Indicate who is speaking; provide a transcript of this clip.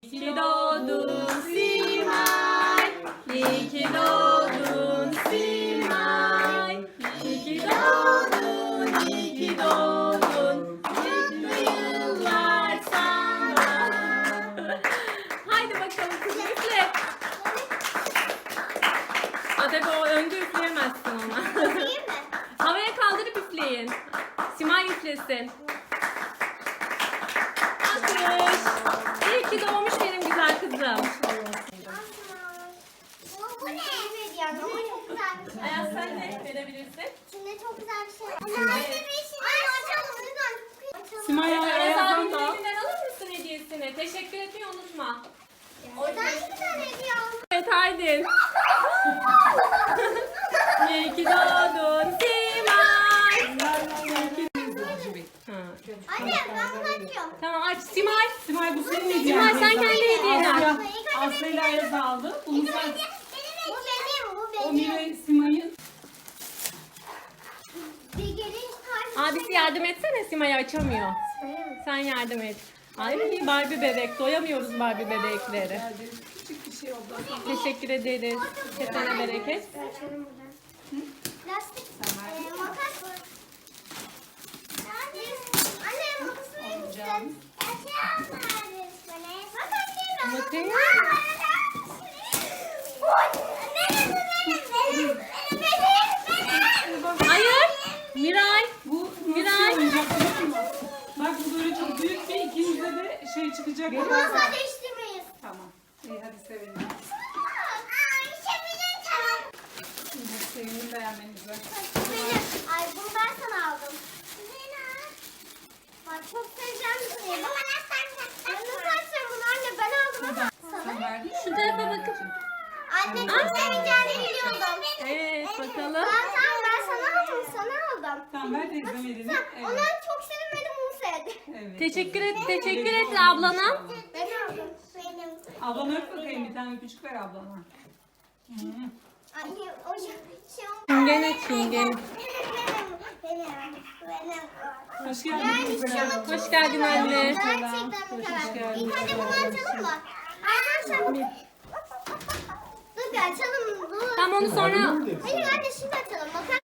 Speaker 1: İyi ki doğdun Simay, iyi ki doğdun Simay, iyi ki doğdun, iyi ki doğdun, mutlu yıllar sana. Haydi bakalım kızım üfle. Tabii o önce üfleyemezsin ona.
Speaker 2: Üfleyeyim mi?
Speaker 1: Havaya kaldırıp üfleyin. Simay üflesin. Alkış. İyi ki doğmuş benim güzel kızım.
Speaker 2: Bu ne? Yani ama çok güzel bir şey.
Speaker 1: Ayaz sen de verebilirsin.
Speaker 2: İçinde çok güzel bir şey. Anne bir içinde açalım lütfen.
Speaker 3: Simay
Speaker 1: Ayaz
Speaker 3: Ayaz'dan
Speaker 1: abinin
Speaker 3: da.
Speaker 1: elinden alır mısın hediyesini? Teşekkür etmeyi unutma.
Speaker 2: Oradan iki tane hediye aldım.
Speaker 1: Evet haydi. İyi ki doğdun Simay. Ha.
Speaker 2: Anne ben bunu açıyorum.
Speaker 1: Tamam aç Simay.
Speaker 3: Simay bu senin hediyen.
Speaker 1: Simay sen kendi hediyeni aç.
Speaker 3: Aslı ile Ayaz aldı. Bunu sen...
Speaker 2: Bu
Speaker 3: O
Speaker 2: benim.
Speaker 3: Mire Simay'ın.
Speaker 2: Bir gelin tarzı.
Speaker 1: Abisi yardım etsene Simay'ı açamıyor. Sen yardım et. Ay Barbie bebek. Doyamıyoruz Barbie bebekleri.
Speaker 3: Küçük bir şey oldu.
Speaker 1: Teşekkür ederiz. Kesene bereket.
Speaker 2: Açalım buradan. Lastik. Makas. Anne makası verir misin? Açalım bari. Bak anne.
Speaker 1: Bakayım. Hayır. Miray.
Speaker 3: Bu
Speaker 1: Miray.
Speaker 3: nasıl oyuncak biliyor musun? Bak bu böyle çok büyük bir ikinize de şey çıkacak.
Speaker 2: Masa değiştirmeyiz.
Speaker 3: Tamam. İyi hadi sevindim. Sevindim beğenmenize.
Speaker 2: Ay bunu ben sana aldım. Bak çok seveceğim bir şey. Nasıl açacağım bunu anne? Ben aldım ama.
Speaker 3: Sen verdin.
Speaker 1: Şu tarafa bakın.
Speaker 2: Anne çok seveceğini biliyordum.
Speaker 1: Evet bakalım.
Speaker 2: Ben sana aldım. Sana aldım.
Speaker 3: Tamam ver teyzem elini.
Speaker 2: Onu
Speaker 3: Evet.
Speaker 2: çok sevmedim bunu sevdi.
Speaker 3: Evet.
Speaker 1: Teşekkür et ablana.
Speaker 2: Ben aldım. Benim.
Speaker 3: Ablana öp bakayım bir tane küçük ver ablana. Hı.
Speaker 2: Anne o şey
Speaker 1: Çingene çingene.
Speaker 2: Benim.
Speaker 3: Hoş geldin kızım.
Speaker 1: Hoş geldin anne.
Speaker 2: Gerçekten mükemmel. İlk önce bunu açalım mı? Arkadaşlar. Dur bir açalım. Dur.
Speaker 1: Tamam onu sonra
Speaker 2: Hayır anne şimdi açalım. Bakar